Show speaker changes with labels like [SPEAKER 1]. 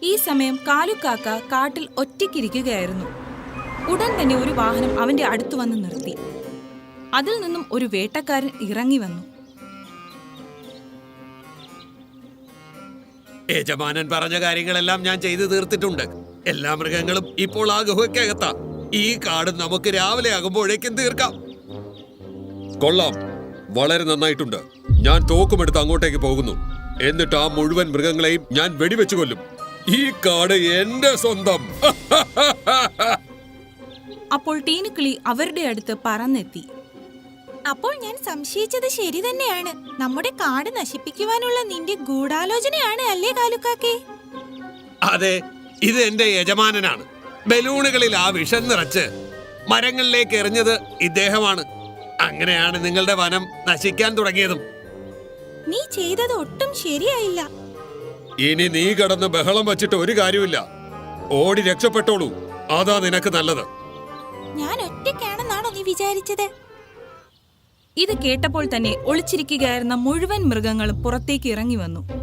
[SPEAKER 1] ഈ സമയം കാലുക്കാക്ക കാട്ടിൽ ഒറ്റയ്ക്കിരിക്കുകയായിരുന്നു. ഉടൻ തന്നെ ഒരു വാഹനം അവന്റെ അടുത്തു വന്ന് നിർത്തി. അതിൽ നിന്നും ഒരു വേട്ടക്കാരൻ ഇറങ്ങി വന്നു.
[SPEAKER 2] യജമാനൻ പറഞ്ഞ കാര്യങ്ങളെല്ലാം ഞാൻ ചെയ്തു തീർത്തിട്ടുണ്ട്. എല്ലാ മൃഗങ്ങളും ഇപ്പോൾ ആ ഗുഹയ്ക്കകത്താ. ഈ കാട് നമുക്ക് രാവിലെ ആകുമ്പോഴേക്കും തീർക്കാം. കൊള്ളാം, വളരെ നന്നായിട്ടുണ്ട്. ഞാൻ തോക്കുമെടുത്ത് അങ്ങോട്ടേക്ക് പോകുന്നു. എന്നിട്ട് ആ മുഴുവൻ മൃഗങ്ങളെയും ഞാൻ വെടിവെച്ചു കൊല്ലും. ഈ കാട് എന്റെ സ്വന്തം.
[SPEAKER 1] അപ്പോൾ ടീനുക്കിളി അവരുടെ അടുത്ത് പറന്നെത്തി. അപ്പോൾ ഞാൻ സംശയിച്ചത് ശരി തന്നെയാണ്. നമ്മുടെ കാട് നശിപ്പിക്കുവാനുള്ള നിന്റെ ഗൂഢാലോചനയാണ് അല്ലേ കാലുക്കാക്കേ?
[SPEAKER 2] അതെ, ഇത് എന്റെ യജമാനനാണ്. ബലൂണുകളിൽ ആ വിഷം നിറച്ച് മരങ്ങളിലേക്ക് എറിഞ്ഞത് ഇദ്ദേഹമാണ്. അങ്ങനെയാണ് നിങ്ങളുടെ വനം നശിക്കാൻ തുടങ്ങിയതും.
[SPEAKER 1] നീ ചെയ്തത് ഒട്ടും ശരിയായില്ല.
[SPEAKER 2] ഇനി നീ കടന്ന് ബഹളം വച്ചിട്ട് ഒരു കാര്യമില്ല. ഓടി രക്ഷപ്പെട്ടോളൂ, അതാ നിനക്ക് നല്ലത്.
[SPEAKER 1] ഞാൻ ഒറ്റയ്ക്കാണെന്നാണോ നീ വിചാരിച്ചത്? ഇത് കേട്ടപ്പോൾ തന്നെ ഒളിച്ചിരിക്കുകയായിരുന്ന മുഴുവൻ മൃഗങ്ങളും പുറത്തേക്ക് ഇറങ്ങി വന്നു.